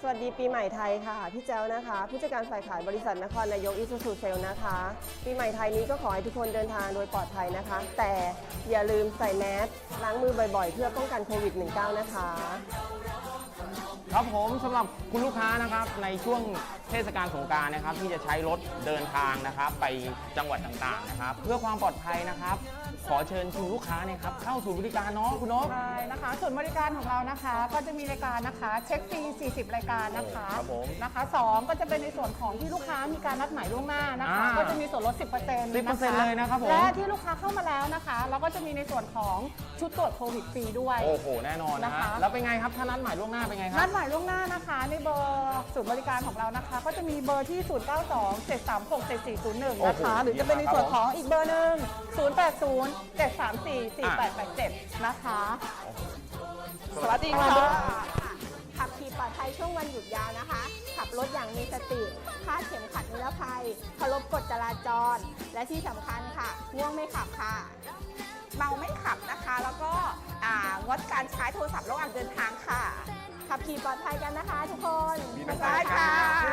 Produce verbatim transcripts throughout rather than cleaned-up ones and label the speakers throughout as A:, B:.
A: วัสดีปีใหม่ไทยค่ะพี่แจ้วนะคะผู้จัดการฝ่ายขายบริษัทนครนายกอิซูซูเซลนะคะปีใหม่ไทยนี้ก็ขอให้ทุกคนเดินทางโดยปลอดภัยนะคะ แต่อย่าลืมใส่แมสล้างมือบ่อยๆเพื่อป้องกันโควิด สิบเก้า นะคะ
B: ครับผมสำหรับคุณลูกค้านะครับในช่วงเทศกาลสงกรานต์นะครับที่จะใช้รถเดินทางนะครับไปจังหวัดต่างๆนะครับเพื่อความปลอดภัยนะครับขอเชิญคุณลูกค้าเนี่ยครับเข้าสู่บริการเนาะคุณนก
C: ใช่นะคะส่วนบริการของเรานะคะก็จะมีรายการนะคะเช็คฟรีสี่สิบรายการนะคะ
B: ครับผม
C: นะคะสองก็จะเป็นในส่วนของที่ลูกค้ามีการนัดหมายล่วงหน้านะคะก็จะมีส่วนลด สิบเปอร์เซ็นต์
B: สิบเปอร์เซ็นต์เลยนะครับผม
C: และที่ลูกค้าเข้ามาแล้วนะคะเราก็จะมีในส่วนของชุดตรวจโควิดฟรีด้วย
B: โอ้โหแน่นอนนะ
C: นะคะ
B: ฮะแล้วเป็นไงครับถ้านัดหมายล่วงหน้าเป็นไงครั
C: นั
B: บ
C: ดหมายล่วงหน้านะคะในเบอร์ศูนย์บริการของเรานะคะก็จะมีเบอร์ที่ ศูนย์ เก้า สอง เจ็ด สาม หก เจ็ด สี่ ศูนย์ หนึ่ง นะคะหรือจะเป็นในส่วนของอีกเบอร์หนึ่ง ศูนย์ แปด ศูนย์ เจ็ด สาม สี่ สี่ แปด แปด เจ็ด นะคะ
A: สวัสดีค่ะ
D: ขับขี่ปลอดภัยช่วงวันหยุดยาวนะคะ ขับรถอย่างมีสติคาดเข็มขัดนิรภัยเคารพกฎจราจร และที่สำคัญค่ะง่วงไม่ขับค่ะ
E: เมาไม่ขับนะคะ แล้วก็อ่างดการใช้โทรศัพท์ระหว่างเดินทางค่ะ
D: ขับขี่ปลอดภัยกันนะคะทุกคน
E: ได้ค่ะ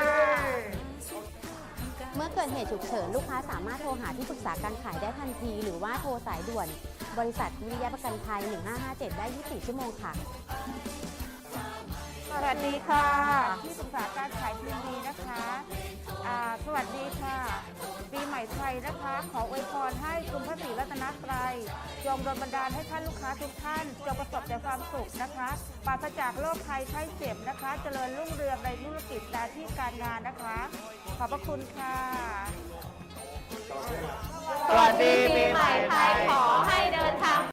F: เมื่อเกิดเหตุฉุกเฉินลูกค้าสามารถโทรหาที่ปรึกษาการขายได้ทันที หรือว่าโทรสายด่วนบริษัทวิริยะประกันภัยหนึ่งห้าห้าเจ็ดได้ยี่สิบสี่ชั่วโมงค่ะ
C: สวัสดีค่ะที่ปรึกษาการขายทีวีนะคะอ่าสวัสดีค่ะ ปีใหม่ไทยนะคะ ขออวยพรให้คุณพระศรีรัตนตรัยจงดลบันดาลให้ท่านลูกค้าทุกท่านจงประสบแต่ความสุขนะคะปราศจากโรคภัยไข้เจ็บนะคะ เจริญรุ่งเรืองในธุรกิจและที่การงานนะคะ ขอบพระคุณค่ะ
B: สวัสดีปีใหม่
F: ไทยขอให้เดินทาง